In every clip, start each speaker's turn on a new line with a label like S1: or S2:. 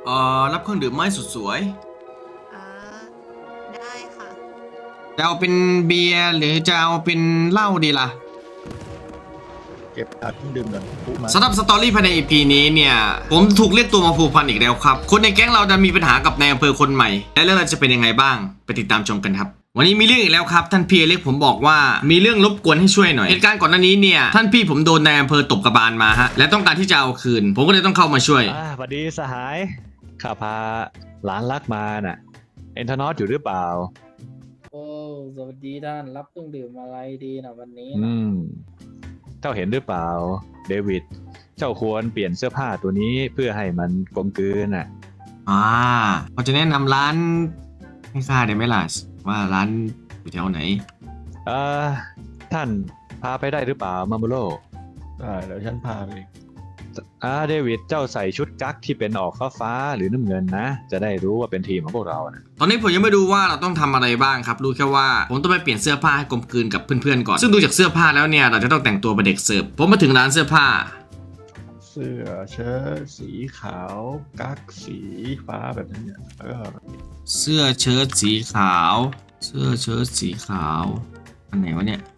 S1: รับเครื่องดื่มไม้สุดสวย
S2: อ่าได้ค่ะ
S1: จะเอาเป็นเบียร์หรือจะเอาเป็นเหล้าดีล่ะ
S3: เก็บอัดเครื่องดื่มก่อนปุ๊มา
S1: สำหรับสตอรี่ภายใน EP นี้เนี่ยผมถูกเรียกตัวมาผูกพันอีกแล้วครับคนในแก๊งเราจะมีปัญหากับนายอำเภอคนใหม่และเรื่องราวจะเป็นยังไงบ้างไปติดตามชมกันครับวันนี้มีเรื่องอีกแล้วครับท่านพี่เล็กผมบอกว่ามีเรื่องรบกวนให้ช่วยหน่อยเหตุการณ์ก่อนหน้านี้เนี่ยท่านพี่ผมโดนนายอำเภอตบกระบาลมาฮะและต้องการที่จะเอาคืนผมก็เลยต้องเข้ามาช่วย
S4: สวัสดีสหายข้าพาหลานรักมาน่ะเอ็นทานอสอยู่หรือเปล่า
S5: โอ้สวัสดีท่านรับเครื่องดื่มอะไรดีนะวันนี้
S4: เจ้าเห็นหรือเปล่าเดวิดเจ้าควรเปลี่ยนเสื้อผ้าตัวนี้เพื่อให้มันกลมกลืนน่ะ
S1: พอจะแนะนำร้านให้ข้าได้ไหมล่ะว่าร้านอยู่แถวไหน
S4: ท่านพาไปได้หรือเปล่ามาโมโล
S3: ได้เดี๋ยวฉันพาไปเอง
S4: เดวิดเจ้าใส่ชุดกั๊กที่เป็นออกฟ้าหรือน้ำเงินนะจะได้รู้ว่าเป็นทีมของพวกเรานะ
S1: ตอนนี้ผมยังไม่รู้ว่าเราต้องทำอะไรบ้างครับรู้แค่ว่าผมต้องไปเปลี่ยนเสื้อผ้าให้กลมกลืนกับเพื่อนๆก่อนซึ่งดูจากเสื้อผ้าแล้วเนี่ยเราจะต้องแต่งตัวเป็นเด็กเสิร์ฟผมมาถึงร้านเสื้อผ้า
S3: เสื้อเชิ้ตสีขาวกั๊กสีฟ้าแบบนี้เนี่ย
S1: เสื้อเชิ้ตสีขาวเสื้อเชิ้ตสีขาวอันไหนวะเนี่ย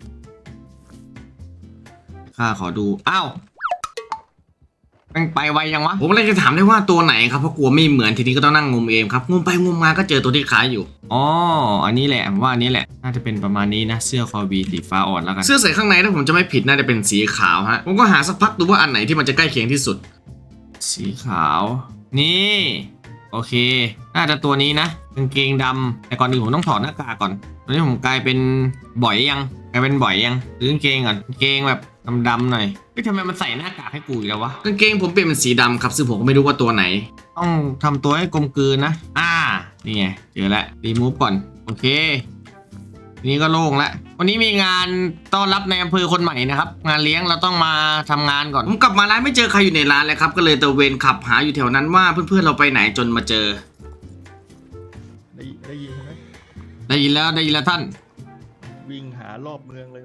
S1: ข้าขอดูอ้าวมันไปไวยังวะผมเลยจะถามได้ว่าตัวไหนครับเพราะกลัวไม่เหมือนทีนี้ก็ต้องนั่งงมเองครับงมไปงมมาก็เจอตัวที่ขายอยู่อันนี้แหละผมว่าอันนี้แหละน่าจะเป็นประมาณนี้นะเสื้อคอวีสีฟ้าอ่อนแล้วกันเสื้อใส่ข้างในถ้าผมจะไม่ผิดน่าจะเป็นสีขาวฮะผมก็หาสักพักดูว่าอันไหนที่มันจะใกล้เคียงที่สุดสีขาวนี่โอเคน่าจะตัวนี้นะกางเกงดำแต่ก่อนอื่นผมต้องถอดหน้ากากก่อนตอนนี้ผมกลายเป็นบ่อยยังหรือกางเกงก่อนกางเกงแบบดำๆหน่อยทำไมมันใส่หน้ากากให้กูอีกแล้ววะกางเกงผมเปลี่ยนเป็นสีดำครับซึ่งผมก็ไม่รู้ว่าตัวไหนต้องทำตัวให้กลมกลืนนะนี่ไงเจอแล้วรีมูฟก่อนโอเคทีนี้ก็โล่งแล้ววันนี้มีงานต้อนรับในอำเภอคนใหม่นะครับงานเลี้ยงเราต้องมาทำงานก่อนผมกลับมาร้านไม่เจอใครอยู่ในร้านเลยครับก็เลยตะเวนขับหาอยู่แถวนั้นว่าเพื่อนๆเราไปไหนจนมาเจอ
S3: ได้ยินใช่ไหม
S1: ได้ยินแล้วท่าน
S3: วิ่งหารอบเมืองเลย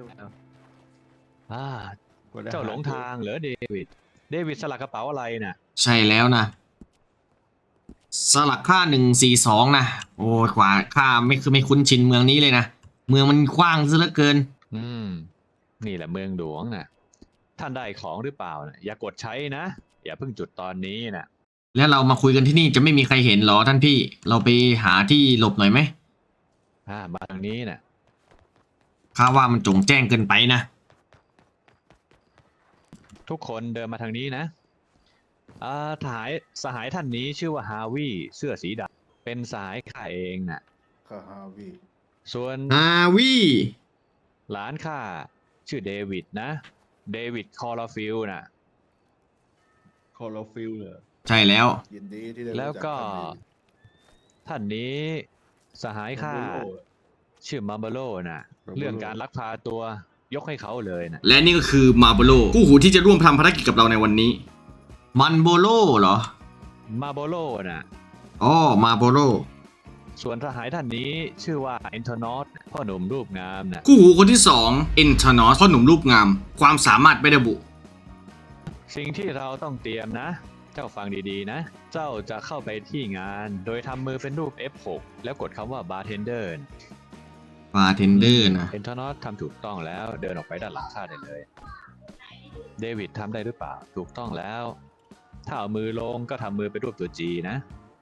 S4: เจ้าหลงทางเหรอเดวิดสลักกระเป๋าอะไรน่ะ
S1: ใช่แล้วนะสลักค่า142นะโอ้ขวาค่าไม่คุ้นชินเมืองนี้เลยนะเมืองมันกว้างซะเหลือเกิน
S4: นี่แหละเมืองหลวงน่ะท่านได้ของหรือเปล่านะอย่ากดใช้นะอย่าเพิ่งจุดตอนนี้นะ
S1: แล้วเรามาคุยกันที่นี่จะไม่มีใครเห็นหรอท่านพี่เราไปหาที่หลบหน่อยไหม
S4: มาทางนี้น่ะ
S1: ข้าว่ามันจงแจ้งเกินไปนะ
S4: ทุกคนเดินมาทางนี้นะสหายท่านนี้ชื่อว่าฮาวิเสื้อสีดำเป็นสหายข้าเองน่ะ
S3: ข้าฮาวิ
S4: ส่วน
S1: ฮาวิ
S4: หลานข้าชื่อเดวิดนะเดวิดคอร์ลฟิลน่ะ
S3: คอร์ฟิลเหรอ
S1: ใช่แล้ว
S3: ยินดีที่ได้
S4: แล้วก็ท่านนี้สหายข้าชื่อมาร์เบโลน่ะเรื่องการลักพาตัวยกให้เขาเลยนะ
S1: และนี่ก็คือมาร์เบโลคู่หูที่จะร่วมทำภารกิจกับเราในวันนี้มันโบโลเหรอ
S4: มาร์เบโลน่ะ
S1: มาร์เบโล
S4: ส่วนสหายท่านนี้ชื่อว่าเอนโทนอสพ่อหนุ่มรูปงามนะ
S1: คู่หูคนที่2เอนโทนอสพ่อหนุ่มรูปงามความสามารถไม่ระบุ
S4: สิ่งที่เราต้องเตรียมนะเจ้าฟังดีๆนะเจ้าจะเข้าไปที่งานโดยทำมือเป็นรูป F6 แล้วกดคำว่าบาร์เทนเดอร์นะ
S1: เ
S4: อนโทนอสทำถูกต้องแล้วเดินออกไปด้านหลังข้าได้เลยเดวิดทำได้หรือเปล่าถูกต้องแล้วถ้าเอามือลงก็ทำมือเป็นรูปตัว G นะ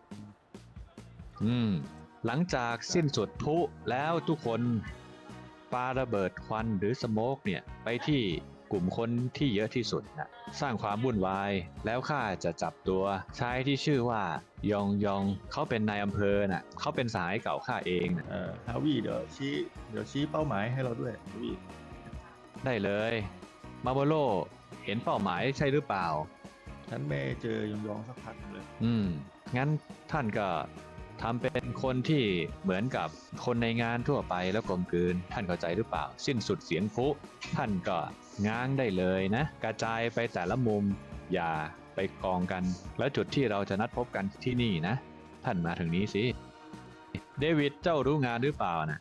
S4: หลังจากสิ้นสุดพลุแล้วทุกคนปาระเบิดควันหรือสโมกเนี่ยไปที่กลุ่มคนที่เยอะที่สุดนะสร้างความวุ่นวายแล้วข้าจะจับตัวชายที่ชื่อว่ายองเขาเป็นนายอำเภอน่ะเขาเป็นสหายเก่าข้าเองนะ
S3: ฮาวิเดี๋ยวชี้เป้าหมายให้เราด้วยฮาวิ
S4: ได้เลยมาโบโลเห็นเป้าหมายใช่หรือเปล่า
S3: ฉันไม่เจอยองสักพักเลย
S4: งั้นท่านก็ทำเป็นคนที่เหมือนกับคนในงานทั่วไปแล้วกลมกลืนท่านเข้าใจหรือเปล่าสิ้นสุดเสียงพลุท่านก็ง้างได้เลยนะกระจายไปแต่ละมุมอย่าไปกองกันแล้วจุดที่เราจะนัดพบกันที่นี่นะท่านมาถึงนี้สิเดวิดเจ้ารู้งานหรือเปล่านะ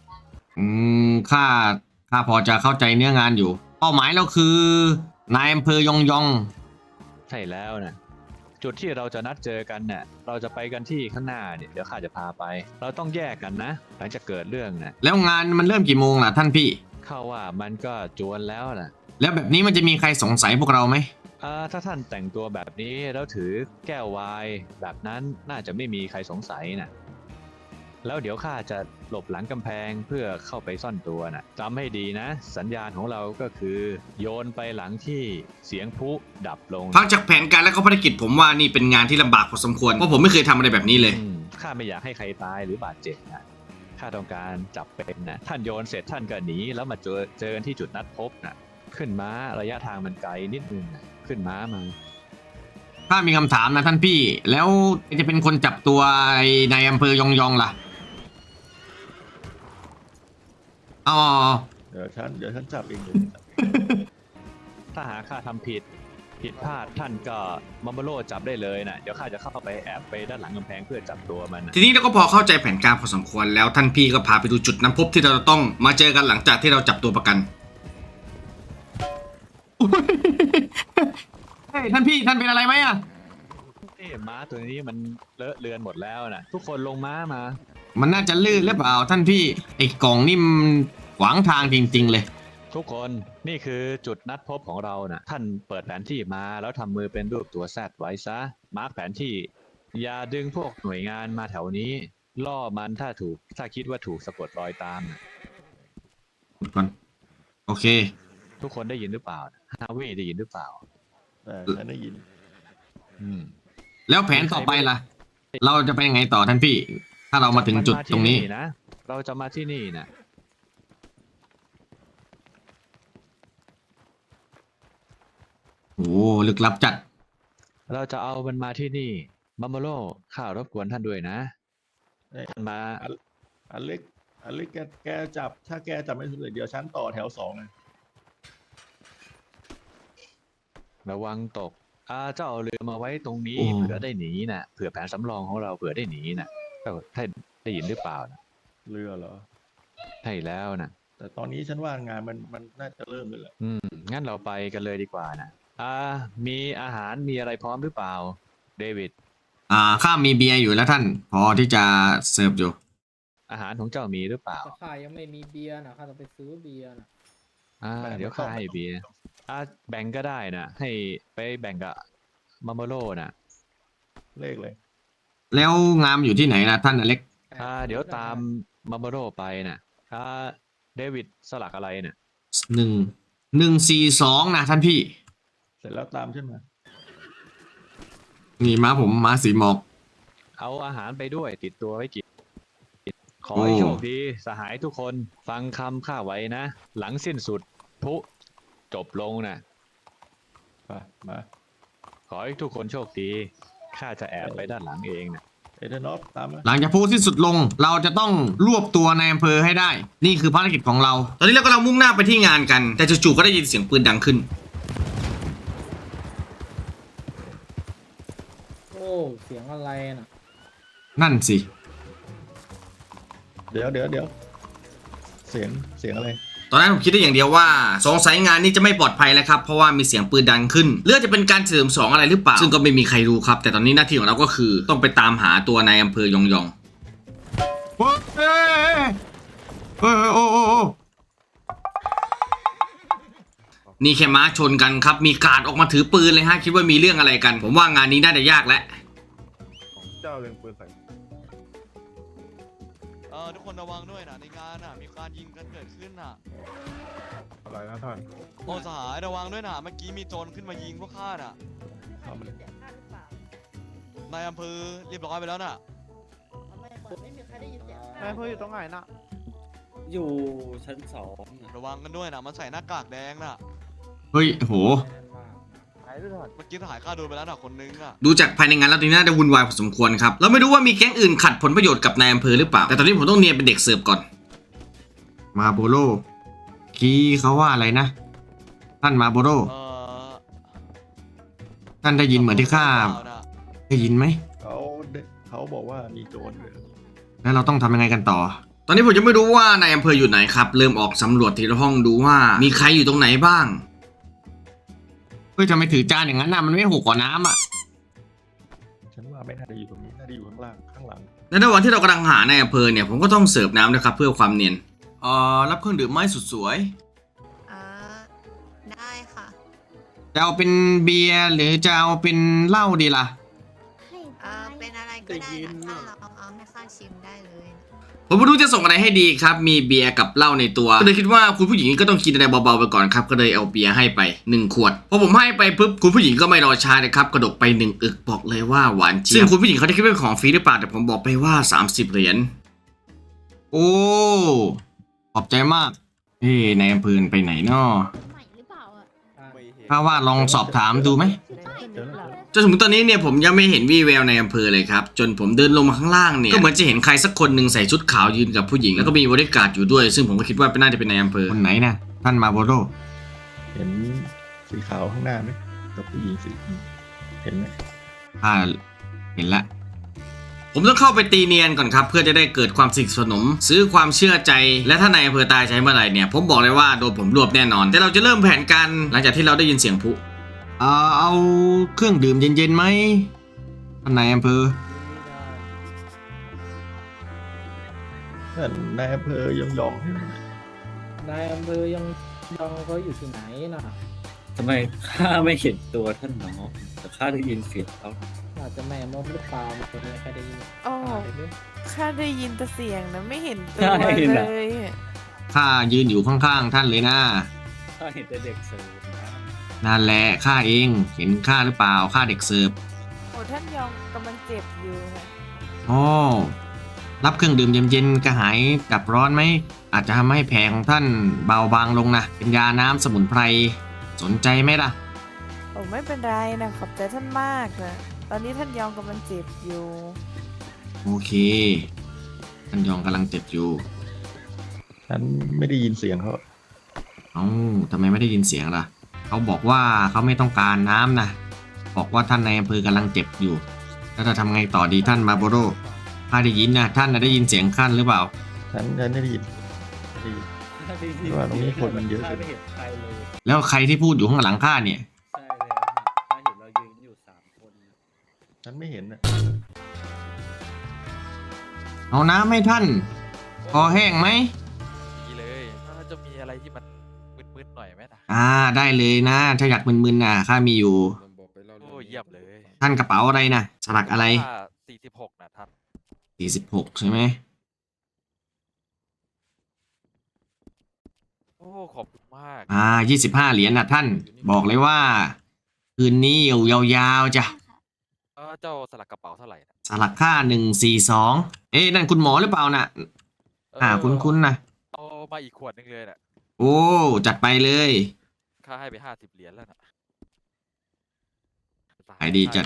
S1: ข้าพอจะเข้าใจเนื้องานอยู่เป้าหมายเราคือนายอำเภอยอง
S4: ใช่แล้วนะจุดที่เราจะนัดเจอกันเนี่ยเราจะไปกันที่ข้างหน้าเนี่ยเดี๋ยวข้าจะพาไป เราต้องแยกกันนะหลังจากเกิดเรื่องนะ
S1: แล้วงานมันเริ่มกี่โมงล่ะท่านพี่
S4: เข้าว่ามันก็จวนแล้วนะ
S1: แล้วแบบนี้มันจะมีใครสงสัยพวกเราไหม
S4: ถ้าท่านแต่งตัวแบบนี้แล้วถือแก้วไวน์แบบนั้นน่าจะไม่มีใครสงสัยนะแล้วเดี๋ยวข้าจะหลบหลังกำแพงเพื่อเข้าไปซ่อนตัวนะจำให้ดีนะ สัญญาณของเราก็คือโยนไปหลังที่เสียงพลุดับลง
S1: ฟังจากแผนการและก็ภารกิจผมว่านี่เป็นงานที่ลำบากพอสมควร เพราะผมไม่เคยทำอะไรแบบนี้เลย
S4: ข้าไม่อยากให้ใครตายหรือบาดเจ็บนะข้าต้องการจับเป็นนะท่านโยนเสร็จท่านก็หนีแล้วมาเจอกันที่จุดนัดพบนะขึ้นม้าระยะทางมันไกลนิดนึงนะขึ้นม้ามา
S1: ถ้ามีคำถามนะท่านพี่ แล้วจะเป็นคนจับตัวไอ้นายอำเภอยองล่ะอ๋อ
S3: เดี๋ยวฉันจับเองเลย
S4: ถ้าหากข้าทำผิดพลาดท่านก็มัมเบโลจับได้เลยนะเดี๋ยวข้าจะเข้าไปแอบไปด้านหลังกำแพงเพื่อจับตัวมันนะ
S1: ทีนี้เราก็พอเข้าใจแผนการพอสมควรแล้วท่านพี่ก็พาไปดูจุดน้ำพบที่เราต้องมาเจอกันหลังจากที่เราจับตัวประกัน เฮ้ยท่านพี่ท่านเป็นอะไรไหมอะ
S4: ม้าตัวนี้มันเลอะเลือนหมดแล้วนะทุกคนลงม้ามา
S1: มันน่าจะลื่นหรือเปล่าท่านพี่ไอ้กล่องนี่มันขวางทางจริงๆเลย
S4: ทุกคนนี่คือจุดนัดพบของเรานะท่านเปิดแผนที่มาแล้วทำมือเป็นรูปตัวแซดไว้ซะมาร์กแผนที่อย่าดึงพวกหน่วยงานมาแถวนี้ ล่อมันถ้าคิดว่าถูกสะกดรอยตามนะ
S1: ก่อนโอเค
S4: ทุกคนได้ยินหรือเปล่าฮาวิได้ยินหรือเปล่า
S3: แต่ฉันได้ยิน
S4: อืม
S1: แล้วแผนต่อไปล่ะ เราจะไปยังไงต่อท่านพี่ ถ้าเรามาถึงจุดตรงนี้
S4: นะเราจะมาที่นี่นะ
S1: โอ้ลึกลับจัด
S4: เราจะเอามันมาที่นี่มัมเบโลข้ารบกวนท่านด้วยนะ
S3: เอ้ย
S4: ท่านมา
S3: อเล็กแกจับถ้าแกจับไม่สำเร็จเดี๋ยวฉันต่อแถว2นะ
S4: ระวังตกเจ้าเอาเรือมาไว้ตรงนี้
S1: โอ้
S4: เผื่อได้หนีนะเผื่อแผนสำรองของเราเผื่อได้หนีนะท่านได้ยินหรือเปล่านะ
S3: เรือเหรอ
S4: ใช่แล้วนะ
S3: แต่ตอนนี้ฉันว่างานมันน่าจะเริ่มเลยแหละ
S4: งั้นเราไปกันเลยดีกว่านะมีอาหารมีอะไรพร้อมหรือเปล่าเดวิด
S1: ข้ามีเบียร์อยู่แล้วท่าน พอที่จะเสิร์ฟอยู่
S4: อาหารของเจ้ามีหรือเปล่า
S5: แต่ข้ายังไม่มีเบียร์นะข้าต้องไปซื้อเบียร์นะ
S4: เดี๋ยวข้าให้เบียร์แบ่งก็ได้นะให้ไปแบ่งกับมัมเบโลนะ
S3: เลขเลย
S1: แล้วงามอยู่ที่ไหนล่ะท่านอเล็ก
S4: เดี๋ยวตามมัมเบโลไปนะเดวิดสลักอะไรนะ
S1: 1 1 4 2นะท่านพี่
S3: เสร็จแล้วตามฉันมา
S1: นี่ม้าผมม้าสีหมอก
S4: เอาอาหารไปด้วยติดตัวไว้กินขอให้โชคดีสหายทุกคนฟังคำข้าไว้นะ หลังสิ้นสุดพลุจบลงนะ
S3: มา
S4: ขอให้ทุกคนโชคดีข้าจะแอบไปด้านหลังเองนะ
S3: เอเดนอฟตามมา
S1: หลังจากพูดที่สุดลง เราจะต้องรวบตัวนายอำเภอให้ได้ นี่คือภารกิจของเรา ตอนนี้เรากำลังมุ่งหน้าไปที่งานกัน แต่จู่ๆก็ได้ยินเสียงปืนดังขึ้น
S5: โอ้เสียงอะไรน่ะ
S1: นั่นสิ
S3: เดี๋ยวเสียงอะไร
S1: ตอนนั้นผมคิดได้อย่างเดียวว่าสงสัยงานนี้จะไม่ปลอดภัยแล้วครับ เพราะว่ามีเสียงปืนดังขึ้นเรื่องจะเป็นการเฉลิมฉลองอะไรหรือเปล่า ซึ่งก็ไม่มีใครรู้ครับ แต่ตอนนี้หน้าที่ของเราก็คือต้องไปตามหาตัวนายอำเภอยองนี่แค่ม้าชนกันครับ มีกาดออกมาถือปืนเลยฮะ คิดว่ามีเรื่องอะไรกัน ผมว่างานนี้น่าจะยากแล้ว
S6: เจ้าเล็งปืนใส่
S7: ทุกคนระวังด้วยนะในงานน่ะมีการยิงกันเกิดขึ้นน่ะ
S6: อะไรนะท่าน
S7: โอ้สหายระวังด้วยนะเมื่อกี้มีโจรขึ้นมายิงพวกข้าน่ะ
S3: เอามัน
S7: นายอำเภอเรียบร้อยไปแล้วน่ะ
S8: ไม่มีใครได้ยินเสียง
S6: นายอำเภออยู่ตรงไหนน่ะ
S9: อยู่ชั้น2
S7: ระวังกันด้วยนะมันใส่หน้ากากแดงน่ะ
S1: เฮ้ยโห
S7: เมื่อกี้ทหารข้าโดนไปแล้วน่ะคนนึงอ่ะ
S1: ดูจากภายในงานแล้วตรงนี้น่าจะวุ่นวายพอสมควรครับ เราไม่รู้ว่ามีแก๊งอื่นขัดผลประโยชน์กับนายอำเภอหรือเปล่า แต่ตอนนี้ผมต้องเนียนเป็นเด็กเสิร์ฟก่อน มาโบโลคีเขาว่าอะไรนะ ท่านมาโบโล
S7: เออ
S1: ท่านได้ยินเหมือนที่ข้า
S7: น่ะ
S1: ได้ยินไหม
S3: เขาบอกว่ามีโจรเลย
S1: แล้วเราต้องทำยังไงกันต่อ ตอนนี้ผมจะไม่รู้ว่านายอำเภออยู่ไหนครับ เริ่มออกสำรวจทีละห้องดูว่ามีใครอยู่ตรงไหนบ้าง เฮ้ยทำไมถือจานอย่างนั้นน่ะมันไม่หกกว่าน้ำอ่ะ
S3: ไม่น่าจะอยู่ตรงนี้น่าจะอยู่ข้างล่างข้างหลัง
S1: ในระหว่างที่เรากำลังหาในอำเภอเนี่ยผมก็ต้องเสิร์ฟน้ำนะครับเพื่อความเนียนรับเครื่องดื่มไม้สุดสวย
S2: อ่าได้ค่ะ
S1: จะเอาเป็นเบียร์หรือจะเอาเป็นเหล้าดีล่ะ
S8: ให้
S2: เป็นอะไรก็ได้นะถ้าเราเอาให้ข้าชิมได้เลยนะ
S1: ผมไม่รู้จะส่งอะไรให้ดีครับ มีเบียร์กับเหล้าในตัว ก็เลยคิดว่าคุณผู้หญิงก็ต้องกินอะไรเบาๆไปก่อนครับ ก็เลยเอาเบียร์ให้ไป1 ขวด พอผมให้ไปปุ๊บคุณผู้หญิงก็ไม่รอช้าเลยครับ กระดกไป1 อึกบอกเลยว่าหวานเจี๊ยบซึ่งคุณผู้หญิงเขาได้คิดว่าเป็นของฟรีหรือเปล่าแต่ผมบอกไปว่า30 เหรียญ โอ้ ขอบใจมากในอำเภอไปไหนนาะ
S8: ใหม่หรือเปล่าอ่ะ
S6: ไม่เห็น
S1: ถ้าว่าลองสอบถามดูไหม
S3: เดี๋ยวนะ
S1: จนถึงตอนนี้เนี่ยผมยังไม่เห็นวี่แววในอำเภอเลยครับจนผมเดินลงมาข้างล่างเนี่ยก็เหมือนจะเห็นใครสักคนหนึ่งใส่ชุดขาวยืนกับผู้หญิงแล้วก็มีบริการดอยู่ด้วย ซึ่งผมก็คิดว่าน่าจะเป็นในอำเภอคนไหนนะท่านมาโบโร
S3: เห็นสีขาวข้างหน้าไหมกับผู้หญิงสีเห็นไหม
S1: เห็นละผมต้องเข้าไปตีเนียนก่อนครับเพื่อจะได้เกิดความสนิทสนมซื้อความเชื่อใจและถ้านายอำเภอตายใช้เมื่อไหร่เนี่ยผมบอกเลยว่าโดนผมรวบแน่นอนแต่เราจะเริ่มแผนการหลังจากที่เราได้ยินเสียงพลุเอาเครื่องดื่มเย็นๆไหมท่านนายอำเภอ
S3: นั่นนายอำเภอยองๆใช่ไหม
S5: นายอำเภอยังเขาอยู่ที่ไหนน่ะ
S9: ทำไมข้าไม่เห็นตัวท่านหนอแต่ข้าได้ยินเสียงเขา
S5: อาจจะแม่มดหรือเปล่าตัวนี้ใครได้ยิน
S10: อ๋อ
S5: ได้ด้วย
S10: ข้าได้ยินแต่เสียงนะไม่เห็นตัว
S9: ใช่
S10: เล
S9: น่ะ
S10: ย
S1: ข้ายืนอยู่ข้างๆท่านเลยนะ
S9: ข้าเห็นแต่เด็กเสิร์ฟนะ
S1: นั่นแหละข้าเองเห็นข้าหรือเปล่าข้าเด็กเสิร์ฟ
S10: โอ้ท่านยองกำลังเจ็บอยู่นะ
S1: อ๋อรับเครื่องดื่มเย็นๆกระหายกับร้อนไหมอาจจะทำให้แผลของท่านเบาบางลงนะเป็นยาน้ำสมุนไพรสนใจไหมล่ะ
S10: โอ้ไม่เป็นไรนะขอบใจท่านมากนะตอนนี้ท่านยองกำลังเจ็บอยู่
S1: โอเคท่านยองกำลังเจ็บอยู่
S3: ฉันไม่ได้ยินเสียงเขา
S1: เอ้าทำไมไม่ได้ยินเสียงล่ะเขาบอกว่าเขาไม่ต้องการน้ำนะบอกว่าท่านในอำเภอกำลังเจ็บอยู่แล้วจะทำไงต่อดีท่านมาโบโรข้าได้ยินนะท่านได้ยินเสียงขั้นหรือเปล่า
S3: ฉันไม่ได้ยินไม่ได้ยิน
S9: ข้าได้ยิ
S3: ว่าตรงนี้คนมันเยอะ
S9: ข้าไม่เห็นใครเลย
S1: แล้วใครที่พูดอยู่ข้างหลังข้าเนี่ย
S9: ใช่แล้วนะข้าเห็นเรายืนอยู่3 คนนะ
S3: ฉันไม่เห็นนะ
S1: เอาน้ำให้ท่านคอแห้งไหม
S7: ดีเลยถ้าจะมีอะไรที่มันมึนๆหน่อยไหมนะ
S1: ได้เลยนะถ้าอยากมึนๆนะข้ามีอยู่
S7: โอ้เยี่ยมเลย
S1: ท่านกระเป๋าอะไรนะสลักอะไร
S7: ถ้า46นะท่าน
S1: 46ใช่ไหม
S7: โอ้ขอบคุณมาก
S1: 25 เหรียญนะท่าน บอกเลยว่า คืนนี้อยู่ยาวๆจ้ะ
S7: เจ้าสลักกระเป๋าเท่าไหร่นะ
S1: สลักค่า142นั่นคุณหมอหรือเปล่าน่ะคุ้นๆนะ
S7: เอามาอีกขวดนึงเลยน่ะ
S1: โอ้จัดไปเลย
S7: ค่าให้ไป50 เหรียญแล้วนะ
S1: ขายดีจัด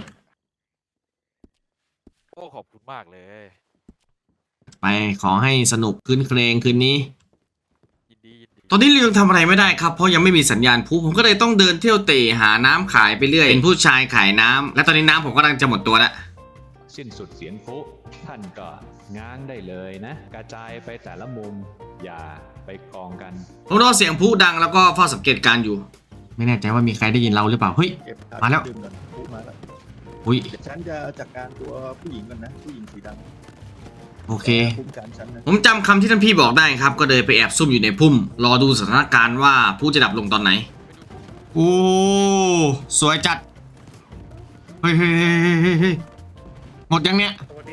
S7: โอ้ขอบคุณมากเลย
S1: ไปขอให้สนุกคืนเครงคืนนี้
S7: ยินดี
S1: ตอนนี้เรายังทำอะไรไม่ได้ครับเพราะยังไม่มีสัญญาณพลุผมก็เลยต้องเดินเที่ยวเตะหาน้ำขายไปเรื่อยเป็นผู้ชายขายน้ำและตอนนี้น้ำผมกำลังจะหมดตัวแล้ว
S4: สิ้นสุดเสียงพลุท่านก็ง้างได้เลยนะ กระจายไปแต่ละมุมอย่าไปกองกัน
S1: ผมรอเสียงพลุดังแล้วก็เฝ้าสังเกตการณ์อยู่ ไม่แน่ใจว่ามีใครได้ยินเราหรือเปล่าเฮ้ย
S3: เก็บ
S1: มาแล้ว
S3: ดื่มก่อนพูดมาแล้ว
S1: อุ้ย
S3: เดี๋ยวฉันจะจัดการตัวผู้หญิงก่อนนะผู้หญิงสีดำ
S1: โอเค
S3: คุ้มกันฉันนะ
S1: ผมจำคำที่ท่านพี่บอกได้ครับก็เลยไปแอบซุ่มอยู่ในพุ่มรอดูสถานการณ์ว่าพลุจะดับลงตอนไหนโอ้สวยจัดเฮ้ยหมดยังเนี้ย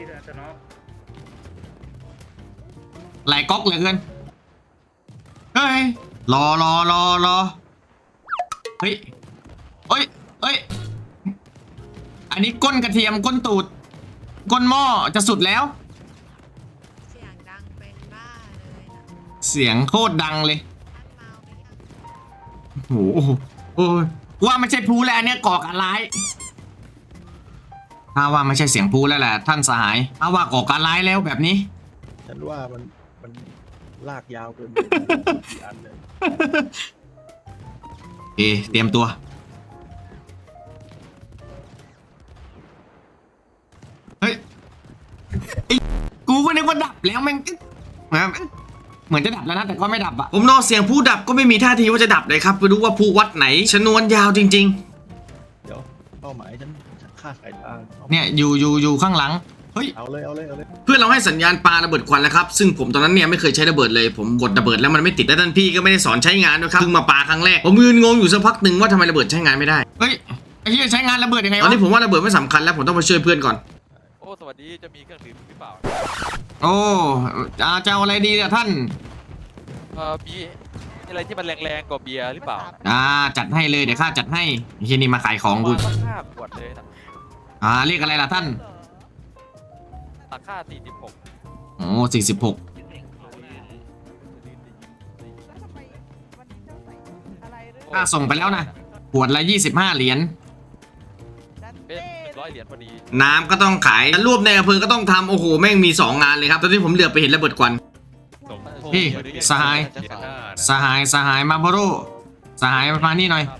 S1: ไหลก๊อกเหลือเกินเฮ้ยรอเฮ้ยอันนี้ก้นกระเทียมก้นตูดก้นหม้อจะสุดแล้ว
S2: เสียงดังเป็นบ้าเลยนะ
S1: เสียงโคตรดังเลย
S2: ท่านเมาไหมคะ
S1: โอ้โหโอ้ยว่าไม่ใช่พลุแล้วอันเนี่ยก่อการร้ายถ้าว่าไม่ใช่เสียงพลุแล้วแหละท่านสหายถ้าว่าก่อการร้ายแล้วแบบนี้
S3: ฉันว่ามันลากยาวเกินไปกี่อันเลย
S1: โอเคเตรียมตัวเฮ้ยไอ้กูก็นึกว่าดับแล้วแม่งเหมือนจะดับแล้วนะแต่ก็ไม่ดับอะผมรอเสียงพลุดับก็ไม่มีท่าทีว่าจะดับเลยครับไม่รู้ว่าพลุวัดไหนชนวนยาวจริง
S3: เดี๋ยวเป้าหมายฉันขฆ่าสายตา
S1: เนี่ยอยู่ข้างหลังเฮ้ย
S3: เอาเลยเอาเลยเอาเลย
S1: เพื่อนเราให้สัญญาณปาระเบิดควันแล้วครับซึ่งผมตอนนั้นเนี่ยไม่เคยใช้ระเบิดเลยผมกดระเบิดแล้วมันไม่ติดและท่านพี่ก็ไม่ได้สอนใช้งานด้วยครับเพิ่งมาปาครั้งแรกผมยืนงงอยู่สักพักหนึ่งว่าทำไมระเบิดใช้งานไม่ได้เฮ้ยไอ้เหี้ยใช้งานระเบิดยังไงวะตอนนี้ผมว่าระเบิดไม่สำคัญแล้วผมต้องไปช่วยเพื่อนก่อน
S7: โอ้สวัสดีจะมีเครื่องดื่มหรือเปล่า
S1: โอ้จะเอาอะไรดีเนี่ยท่าน
S7: มีอะไรที่มันแรงๆกว่าเบียร์หรือเปล่า
S1: จัดให้เลยเดี๋ยวข้าจัดให้ไอ้เหี้ยนี่มาขายของกู
S7: สัก5 ขวดเลยนะ
S1: เรียกอะไรล่ะท่าน
S7: ราคา46
S1: โอ้46ค่าส่งไปแล้วนะขวดละ25 เหรียญ
S7: เป็น100 เหรียญพอดี
S1: น้ำก็ต้องขายรวบในอำเภอก็ต้องทำโอ้โหแม่งมี2 งานเลยครับตอนนี้ผมเหลือไปเห็นระเบิดควันพี่สหายมาโบโรสหายมานี่หน่อย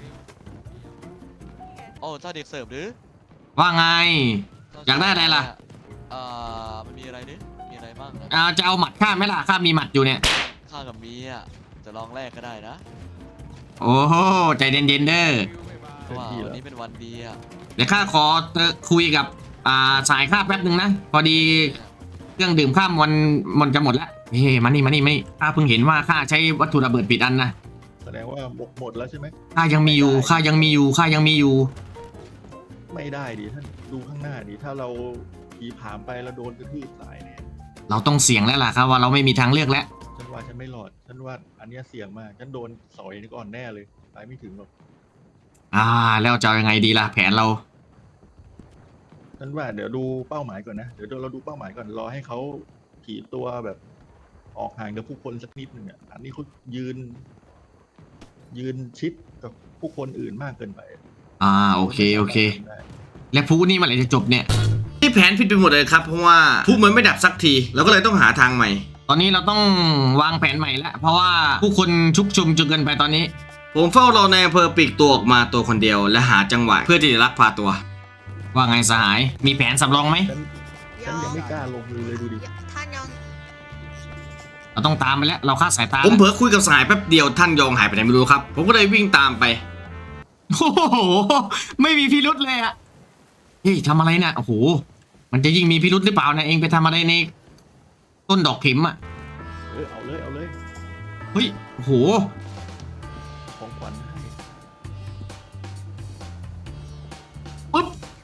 S7: โอ้เจ้าเด็กเสิร์ฟหรือ
S1: ว่าไง อยากได้อะไรล่ะ
S7: มันมีอะไรดิมีอะไรบ้างนะ
S1: จะเอาหมัดข้าไหมล่ะข้ามีหมัดอยู่เนี่ย
S7: ข้ากับมีอ่ะจะลองแลกก็ได้นะ
S1: โอ้โหใจเย็นๆเด้อ
S7: เพราะว่าวันนี้เป็นวันดีอ่ะ
S1: เดี๋ยวข้าขอคุยกับสายข้าแป๊บหนึ่งนะพอดีเครื่องดื่มข้ามมันจะหมดแล้วเฮ้มานี่ข้าเพิ่งเห็นว่าข้าใช้วัตถุระเบิดปิดอันนะ
S3: แสดงว่าหมดแล้วใช่ไหม
S1: ข้ายังมีอยู่
S3: ไม่ได้ดิท่านดูข้างหน้าดิถ้าเราขี่ผ่านไปแล้วโดนกระทืบตายเนี่ย
S1: เราต้องเสี่ยงแล้วล่ะครับว่าเราไม่มีทางเลือกแล้ว
S3: ฉันว่าฉันไม่รอดฉันว่าอันเนี้ยเสี่ยงมากฉันโดนสอยนี่ก่อนแน่เลยตายไม่ถึงหรอก
S1: แล้วจะเอายังไงดีล่ะแผนเรา
S3: ฉันว่าเดี๋ยวดูเป้าหมายก่อนนะเดี๋ยวเราดูเป้าหมายก่อนรอให้เขาขี่ตัวแบบออกห่างจากผู้คนสักนิดหนึ่งอ่ะอันนี้เขายืนชิดกับผู้คนอื่นมากเกินไป
S1: โอเคและผู้นี่เมื่อไหร่จะจบเนี่ยที่แผนผิดไปหมดเลยครับเพราะว่าผู้มันไม่ดับสักทีเราก็เลยต้องหาทางใหม่ ตอนนี้เราต้องวางแผนใหม่แล้วเพราะว่าผู้คนชุกชุมจนเกินไปตอนนี้ผมเฝ้ารอในอำเภอปีกตัวออกมาตัวคนเดียวและหาจังหวะเพื่อที่จะลักพาตัว ว่าไงสหายมีแผนสำรองไหม
S3: ฉันยังไม่กล้าลงมือเลยดูดิ
S2: ท่านยอง
S1: เราต้องตามไปแล้วเราคาดสายตาผมเผลอคุยกับสหายแป๊บเดียวท่านยองหายไปไหนไม่รู้ครับผมก็เลยวิ่งตามไปโอ้โหไม่มีพิรุธเลยอะเฮ้ยทำอะไรเนี่ยโอ้โหมันจะยิ่งมีพิรุธหรือเปล่านะเองไปทำอะไรในต้นดอกเข็มอะ
S3: เอาเลย
S1: เฮ้ยโอ้โห
S3: ของขวัญให้
S1: ปุ๊บ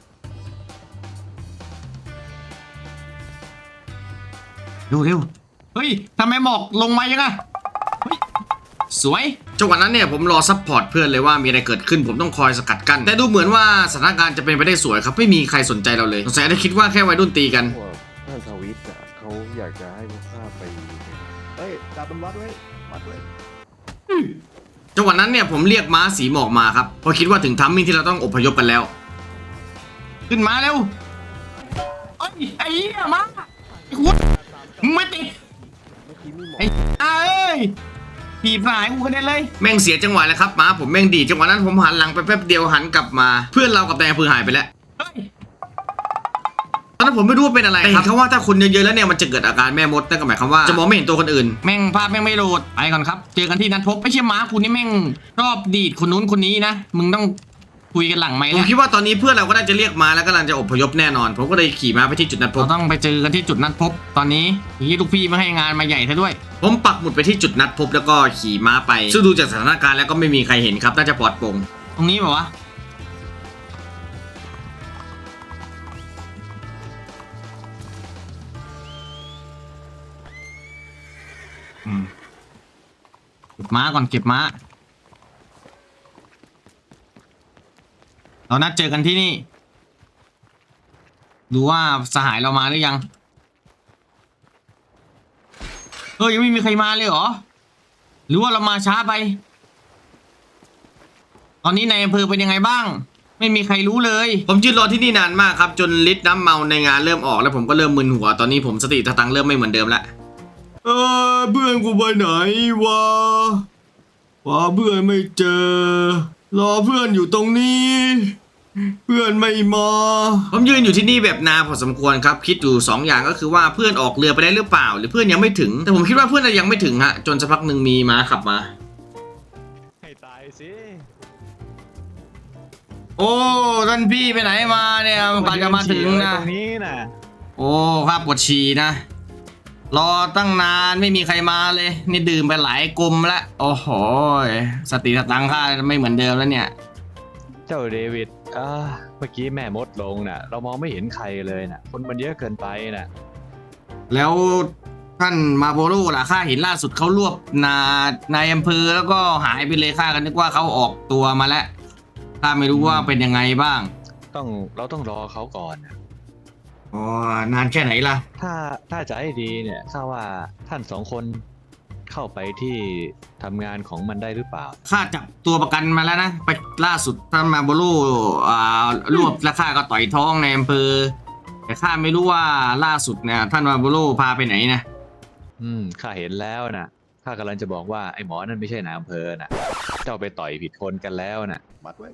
S1: เร็วเฮ้ยทำไมหมอกลงมายังไงเฮ้ยสวยจังหวะนั้นเนี่ยผมรอซัพพอร์ตเพื่อนเลยว่ามีอะไรเกิดขึ้นผมต้องคอยสกัดกั้นแต่ดูเหมือนว่าสถานการณ์จะเป็นไปได้สวยครับไม่มีใครสนใจเราเลยสงสัยได้คิดว่าแค่วัยรุ่นตีกัน
S6: ท่านทวิตอ่ะเขาอยากจะให้พวกข้าไป
S3: เฮ้ยจับมันวัดไว้
S1: จังหวะนั้นเนี่ยผมเรียกม้าสีหมอกมาครับเพราะคิดว่าถึงทัมมิ่งที่เราต้องอพยพกันแล้ว ขึ้นมาเร็วไอ้เหี้ยมาไอ้หัวมึงไม่ติดไอ้เอ้ยผีสายกูกระเด็นเลยแม่งเสียจังหวะแล้วครับม้าผมแม่งดีจังหวะนั้นผมหันหลังไปแป๊บเดียวหันกลับมาเพื่อนเรากับนายอำเภอหายไปแล้วตอนนั้นผมไม่รู้ว่าเป็นอะไรครับเพราะว่าถ้าคนเยอะๆแล้วเนี่ยมันจะเกิดอาการแม่มดนั่นก็หมายความว่าจะมองไม่เห็นตัวคนอื่นแม่งภาพแม่งไม่โหลดไปก่อนครับเจอกันที่นัดพบไม่ใช่ม้าคุณนี่แม่งชอบดีดคนนู้นคนนี้นะมึงต้องคุยกันหลังไหมผมคิดว่าตอนนี้เพื่อนเราก็น่าจะเรียกมาแล้วกำลังจะอพยพแน่นอนผมก็เลยขี่ม้าไปที่จุดนัดพบเราต้องไปเจอกันที่จุดนัดพบตอนนี้นี่ลูกพี่ไม่ให้งานมาใหญ่ซะด้วยผมปักหมุดไปที่จุดนัดพบแล้วก็ขี่ม้าไปซึ่งดูจากสถานการณ์แล้วก็ไม่มีใครเห็นครับน่าจะปลอดโปร่งตรงนี้ป่าวะเก็บม้าก่อนเก็บม้าเรานัดเจอกันที่นี่ดูว่าสหายเรามาหรือยังยังไม่มีใครมาเลยเหรอหรือว่าเรามาช้าไปตอนนี้ในอำเภอเป็นยังไงบ้างไม่มีใครรู้เลยผมยืนรอที่นี่นานมากครับจนฤทธิ์น้ำเมาในงานเริ่มออกแล้วผมก็เริ่มมึนหัวตอนนี้ผมสติสตังค์เริ่มไม่เหมือนเดิมละเพื่อนกูไปไหนวะเพื่อนไม่เจอรอเพื่อนอยู่ตรงนี้เพื่อนไม่มาผมยืนอยู่ที่นี่แบบนานพอสมควรครับคิดอยู่2 อย่างก็คือว่าเพื่อนออกเรือไปได้หรือเปล่าหรือเพื่อนยังไม่ถึงแต่ผมคิดว่าเพื่อนยังไม่ถึงฮะจนสักพักหนึ่งมีม้าขับมา
S4: ให้ตายสิ
S1: โอ้ท่านพี่ไปไหนมาเนี่ยกว่าจะมาถึงนะ
S4: ตรงนี้นะ
S1: โอ้ข้าปวดฉี่นะ รอตั้งนานไม่มีใครมาเลย นี่ดื่มไปหลายกลมแล้วโอ้โหสติสตังค์ข้าไม่เหมือนเดิมแล้วเนี่ย
S4: เจ้าเดวิดเมื่อกี้แม่มดลงน่ะ เรามองไม่เห็นใครเลยน่ะ คนมันเยอะเกินไปน่ะ
S1: แล้วท่านมาโบโร่ล่ะข้าเห็นล่าสุดเขารวบนายอำเภอแล้วก็หายไปเลยข้าก็นึกว่าเขาออกตัวมาแล้วข้าไม่รู้ว่าเป็นยังไงบ้าง
S4: เราต้องรอเขาก่อนน่ะ
S1: อ๋อนานแค่ไหนล่ะ
S4: ถ้าจะให้ดีเนี่ยข้าว่าท่านสองคนเข้าไปที่ทำงานของมันได้หรือเปล่า
S1: ข้าจับตัวประกันมาแล้วนะไปล่าสุดท่านมาโบโร่รวบแล้วข้าก็ต่อยท้องในอำเภอแต่ข้าไม่รู้ว่าล่าสุดเนี่ยท่านมาโบโร่พาไปไหนนะ
S4: ข้าเห็นแล้วนะข้ากำลังจะบอกว่าไอ้หมอนั่นไม่ใช่นายอำเภอนะเจ้าไปต่อยผิดคนกันแล้วนะ
S3: มัดไว้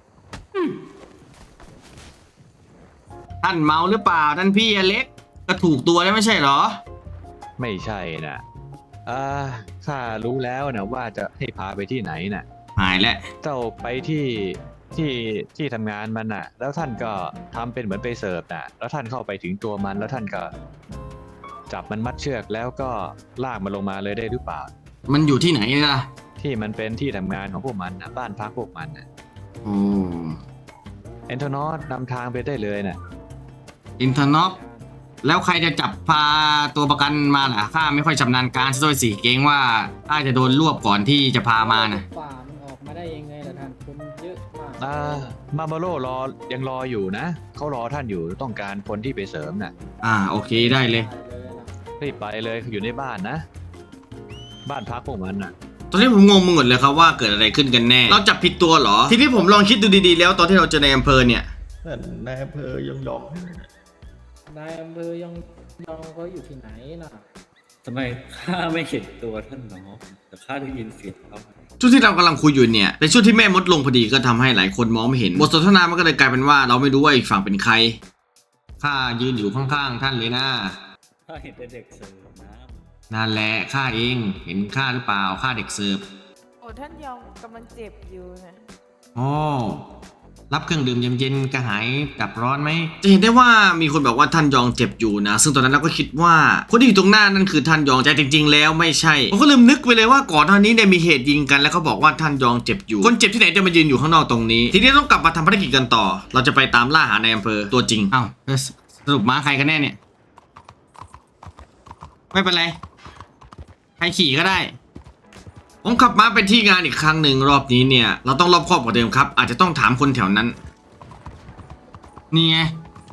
S1: ท่านเมาหรือเปล่าท่านพี่อเล็กก็ถูกตัวแล้วไม่ใช่เหรอ
S4: ไม่ใช่นะข้ารู้แล้วนะว่าจะให้พาไปที่ไหนนะ
S1: หายแล้ว
S4: เจ้าไปที่ทำงานมันน่ะ แล้วท่านก็ทำเป็นเหมือนไปเสิร์ฟน่ะ แล้วท่านเข้าไปถึงตัวมันแล้วท่านก็จับมันมัดเชือกแล้วก็ลากมันลงมาเลยได้หรือเปล่า
S1: มันอยู่ที่ไหนล่ะ
S4: ที่มันเป็นที่ทำงานของพวกมันนะบ้านพักพวกมันนะ
S1: โอ้
S4: เอนโทนอสนำทางไปได้เลยนะ
S1: อินเทอร์น็อปแล้วใครจะจับพาตัวประกันมาล่ะข้าไม่ค่อยชำนาญการซะด้วยสิเกรงว่าข้าจะโดนรวบก่อนที่จะพามานะ
S5: ป่ามันออกมาได้ยังไงล่ะท่านคนเยอะมาก
S4: มาโมโร่ยังรออยู่นะเขารอท่านอยู่ต้องการคนที่ไปเสริมน่ะ
S1: โอเคได้เลย
S4: รีบไปเลยอยู่ในบ้านนะ บ้านพักพวกมันน่ะ
S1: ตอนนี้ผมงงไปหมดเลยครับว่าเกิดอะไรขึ้นกันแน่ เราจับผิดตัวเหรอ ทีนี้ผมลองคิดดูดีๆแล้วตอนที่เราเจอในอำเภอเนี่ย
S3: นั่นนายอำเภอยอง
S5: นายอำเภอยองเขาอยู่ที่ไหนน่ะ
S9: ทำไมข้าไม่เห็นตัวท่านน้องแต่ข้าได้ยินเสียงเขา
S1: ช่วงที่เรากำลังคุยอยู่เนี่ยเป็นช่วงที่แม่มดลงพอดีก็ทำให้หลายคนมองไม่เห็นบทสนทนามันก็เลยกลายเป็นว่าเราไม่รู้ว่าอีกฝั่งเป็นใครข้ายืนอยู่ข้างๆท่านเลยนะ
S9: ข้าเห็นแต่เด็กเสิร์ฟน้
S1: นั่นแหละข้าเองเห็นข้าหรือเปล่าข้าเด็กเสิร์ฟ
S10: โอ้ท่านยองกำลังเจ็บอยู่นะ
S1: อ๋อรับเครื่องดื่มเย็นๆกระหายดับร้อนไหมจะเห็นได้ว่ามีคนบอกว่าท่านยองเจ็บอยู่นะซึ่งตอนนั้นเราก็คิดว่าคนที่อยู่ตรงหน้านั่นคือท่านยองแต่จริงๆแล้วไม่ใช่ผมก็ลืมนึกไปเลยว่าก่อนหน้านี้เนี่ยมีเหตุยิงกันแล้วเขาบอกว่าท่านยองเจ็บอยู่คนเจ็บที่ไหนจะมายืนอยู่ข้างนอกตรงนี้ทีนี้ต้องกลับมาทำภารกิจกันต่อ เราจะไปตามล่าหาในอำเภอตัวจริงอ้าวสรุปม้าใครกันแน่เนี่ยไม่เป็นไรใครขี่ก็ได้ผมขับม้าไปที่งานอีกครั้งหนึ่งรอบนี้เนี่ยเราต้องรอบคอบกว่าเดิมครับอาจจะต้องถามคนแถวนั้นนี่ไง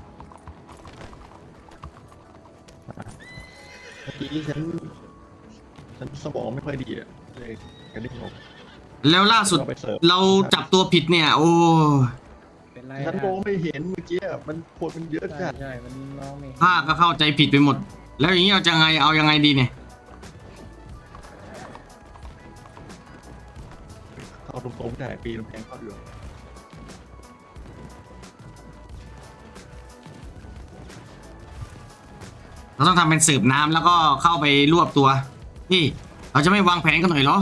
S3: ๆเมื่อกี้ฉันสมองไม่ค่อยดีอะเลยกระดิ่งออก
S1: แล้วล่าสุด
S3: เอาไปเสิร์ฟ
S1: เราจับตัวผิดเนี่ย โอ้
S5: เป็นไร
S3: ฉันมองไม่เห็นเมื่อกี้อะมันคนมันเยอะจัด
S5: ใช่มันมองไม่เห็น
S1: ข้าก็เข้าใจผิดไปหมด แล้วอย่างนี้เอาจะไงเอายังไงดีเนี่ย
S3: เอาตรงๆแต่ปีนกำแพงเข้าอยู่
S1: เราต้องทำเป็นสืบน้ำแล้วก็เข้าไปรวบตัวนี่เราจะไม่วางแผนกันหน่อยเหรอ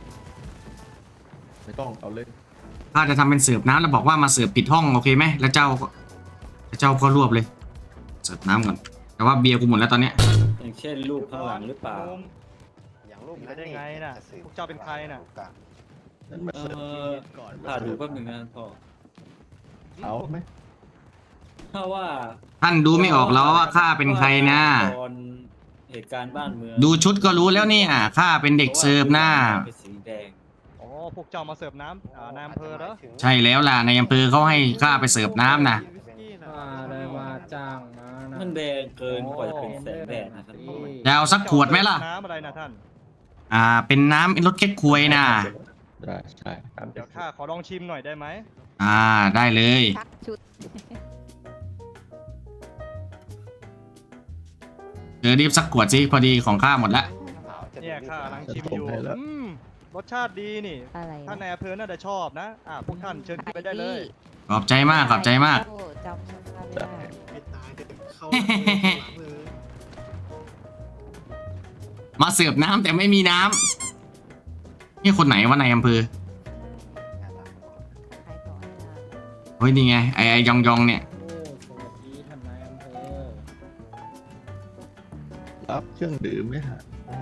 S3: ไม่ต้องเอาเลย
S1: ข้าจะทำเป็นสืบน้ำแล้วบอกว่ามาสืบผิดห้องโอเคไหมแล้วเจ้าก็รวบเลยสืบน้ำก่อนแต่ว่าเบียร์กูหมดแล้วตอนเนี้ย
S9: ำอย่างเช่นรูปข้างหลังหรือเปล่า
S7: อย่างรูปนี้ได้ไงน่ะพวกเจ้าเป็นใครน่ะ
S3: นั่นมาเสิร์ฟก่อน
S9: ข้าดูแป๊บนึงนะพ่อ
S3: เอาไหม
S9: ถ้าว่า
S1: ท่านดูไม่ออกแล้วว่าข้าเป็นใครนะ
S9: ตอนเหตุการณ์บ้านเมือง
S1: ดูชุดก็รู้แล้วเนี่ยข้าเป็นเด็กเสิร์ฟนะ
S9: เป็นสีแดง
S7: อ๋อ พวกเจ้ามาเสิร์ฟน้ำนายอำเภอเหรอ
S1: ใช่แล้วล่ะในอำเภอเขาให้ข้าไปเสิร์ฟน้ำนะ
S5: ได้มาจ้างมานะ
S9: มันแดงเกินกว่าจะเป็นแสงแดดนะครับ
S1: จะเอาสักขวดไหมล่ะ
S7: น้ำอะไรนะท่าน
S1: เป็นน้ำรสเก๊กควยนะ
S3: ได้ใช่ตาม
S7: เดี๋ยวข้าขอลองชิมหน่อยได้ไหม
S1: ได้เลย
S2: ชักชุด
S1: รีบสักขวดสิพอดีของข้าหมดละ
S7: เนี่ยข้ากำลังชิมอยู่รสชาติดีนี่
S2: อะไร
S7: ท่านนายอำเภอน่าจะชอบนะ พวกท่านเชิญขึ้นไปได้เลย
S1: ขอบใจมากขอบใจมาก
S2: โอ้จำชื่อไม่ได้
S1: มาเสิร์ฟน้ำแต่ไม่มีน้ำนี่คนไหนวะในอำเภอ
S2: ใครต่อให้นะ
S1: คฮ้ยนี่ไงไอ้ยองยองเนี่ย
S5: โอ้สวัสดีท่านนายอำเภอ
S3: รับเครื่องดื่มไหมฮะ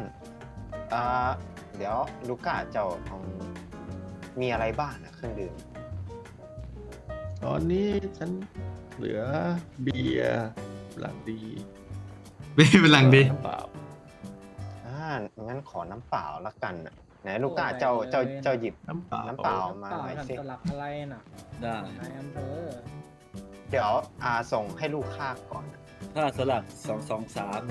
S11: เดี๋ยวลูก้าเจ้ามีอะไรบ้างนะเครื่องดื่ม
S3: ตอนนี้ฉันเหลือเบียร์หลังดี
S1: เป็นหลังดี
S4: น้ำเปล่า
S11: งั้นขอน้ำเปล่าละกันนะไหนลูก้าเจ้าหยิบ
S3: น้ำเปล่า
S11: น้ำเปล่ามา
S5: เปล่า
S11: หน่อย
S5: ท่าน
S11: สิ
S5: สลักอะไรน่ะ
S9: ได้
S5: นายอำเภอ
S11: เดี๋ยวส่งให้ลูกค้าก่อนนะ
S9: ถ้าสลัก223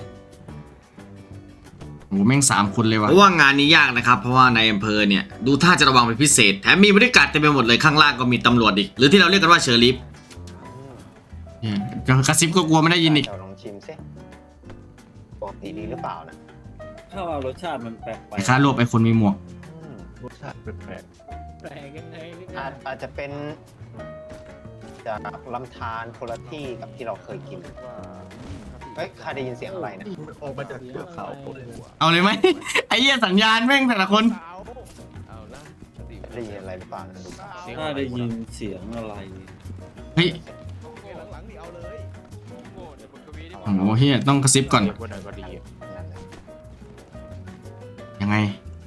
S1: โอ้แม่ง3 คนเลยว่ะเพราะว่างานนี้ยากนะครับเพราะว่าในอำเภอเนี่ยดูท่าจะระวังเป็นพิเศษแถมมีบริการเต็มไปหมดเลยข้างล่างก็มีตำรวจอีกหรือที่เราเรียกกันว่าเชอร์ลิฟ
S11: อืม
S1: เนี่ยกระซิบก็กลัวไม่ได้ยินอีก
S11: เจ้าลองชิมสิปกติดีหรือเปล่านะ
S9: ถ้าว่ารสชาติมันแปลกไป
S1: ไอ้ค่ารวบไอ้คนมีหมวก
S11: อืม
S3: รสชาติแปลก
S5: แปลกยังไงหรือไง
S11: อาจจะเป็นจากลำธารคนละที่กับที่เราเคยกินเฮ้ยใครได้ยินเสียงอะไร
S3: ๆ
S11: นะ
S3: นี่มันออกมาจากเทือกเขาโคตรหัว
S1: เอาเลยไหม ไอ้เหี้ยสัญญาณแม่งแต่ละคน
S11: ได้ยินอะไรหรือเปล่านะลูกค้า
S9: ถ้าได้ยินเสียงอะไร
S1: เฮ้ยโอ้โหเฮียต้องกระซิบก่อน
S11: นั่นแหละ
S1: ยังไง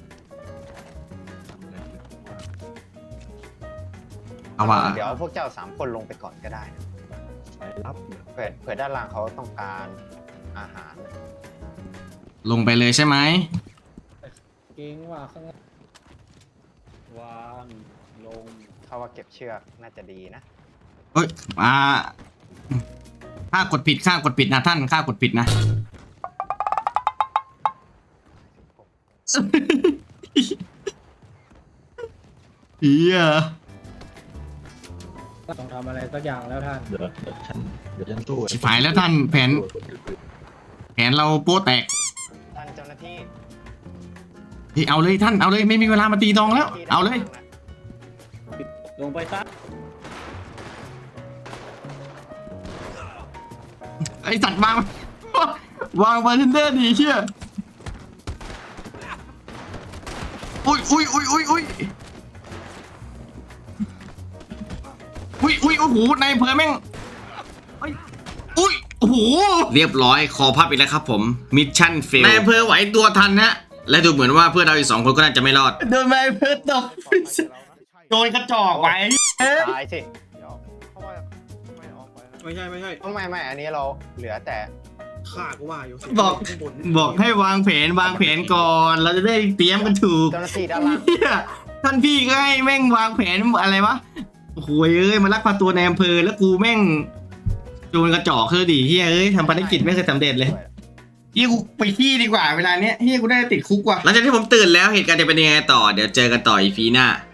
S1: เอาว่า
S11: เดี๋ยวพวกเจ้า3 คนลงไปก่อนก็ได้นะ
S3: สายลับเนี่ย
S11: เผื่อด้านล่างเขาต้องการอาหาร
S1: ลงไปเลยใช่ไหม
S5: เก่งว่าข้างล่าง
S9: วางลง
S11: เขาว่าเก็บเชือกน่าจะดีนะ
S1: เอ้ยข้ากดผิดนะท่านข้ากดผิดนะ เฮีย
S5: ต้องทำอะไรสักอย่างแล้วท่าน
S3: เดี๋ยวฉันสู้
S1: ชิบหายแล้วท่านแผนเราโป๊ะแตก
S11: ท่านเจ้าหน้าที่
S1: เฮ้ยเอาเลยท่านเอาเลยไม่มีเวลามาตีตองแล้ว เอาเลย
S9: ลงไปซะ
S1: ไอสัตว์วางวางบาร์เทนเดอร์ดีเชี่ยอุ้ยโอ้โหในอำเภอแม่งอุ้ยโอ้โหเรียบร้อยคอพับอีกแล้วครับผมมิชชั่นเฟลในอำเภอไหวตัวทันฮะและดูเหมือนว่าเพื่อนเราอีก2 คนก็น่าจะไม่รอดโดนนายอำเภอตบโดนกระจอกไว้
S11: ตายสิ
S3: ไม่ใช่
S11: ไม่อันนี้เราเหลือแต่
S3: ข้าก็ว่าอยู่
S1: บอกให้วางแผนก่อนเราจะได้เตรียมกันถูก
S11: เจ้าหน้าที่ด้านล่าง
S1: เหี้ยท่านพี่ก็ให้แม่งวางแผนอะไรวะโอ้โหเอ้ยมาลักพาตัวในอำเภอแล้วกูแม่งโจรกระจอกคือดีเฮียเอ้ยทำภารกิจไม่เคยสำเร็จเลยเฮียกูไปขี้ดีกว่าเวลาเนี้ยเฮียกูได้ติดคุกว่ะหลังจากที่ผมตื่นแล้วเหตุการณ์จะเป็นยังไงต่อเดี๋ยวเจอกันต่ออีพีหน้า